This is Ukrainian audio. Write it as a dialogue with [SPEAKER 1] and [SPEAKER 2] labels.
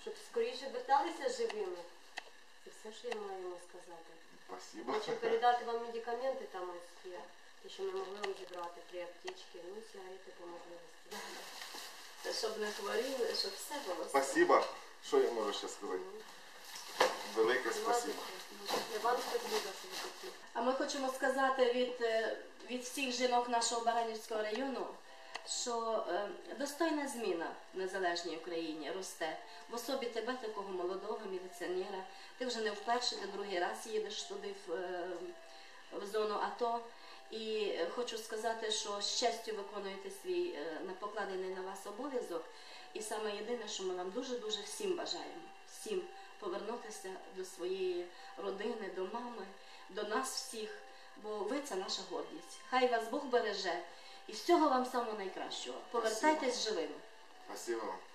[SPEAKER 1] щоб скоріше верталися живими. Це все, що я маю йому сказати.
[SPEAKER 2] Спасибо.
[SPEAKER 1] Хочу передати вам медикаменти, там ось є, те, що ми могли вам зібрати, 3 аптечки, ну і сигарети по можливості.
[SPEAKER 3] Це щоб не хворіли, щоб все було.
[SPEAKER 2] Спасибо. Що я можу ще сказати? Велике спасибо.
[SPEAKER 1] Вам спасибо, що ви такі.
[SPEAKER 3] А ми хочемо сказати від всіх жінок нашого Баранівського району, що достойна зміна в незалежній Україні росте. В особі тебе, такого молодого міліціонера. Ти вже не вперше, ти другий раз їдеш туди в зону АТО. І хочу сказати, що з честю виконуєте свій покладений на вас обов'язок. І саме єдине, що ми вам дуже-дуже всім бажаємо. Всім повернутися до своєї родини, до мами, до нас всіх. Бо ви – це наша гордість. Хай вас Бог береже. І всього вам самого найкращого. Повертайтесь живими.
[SPEAKER 2] Спасибо вам.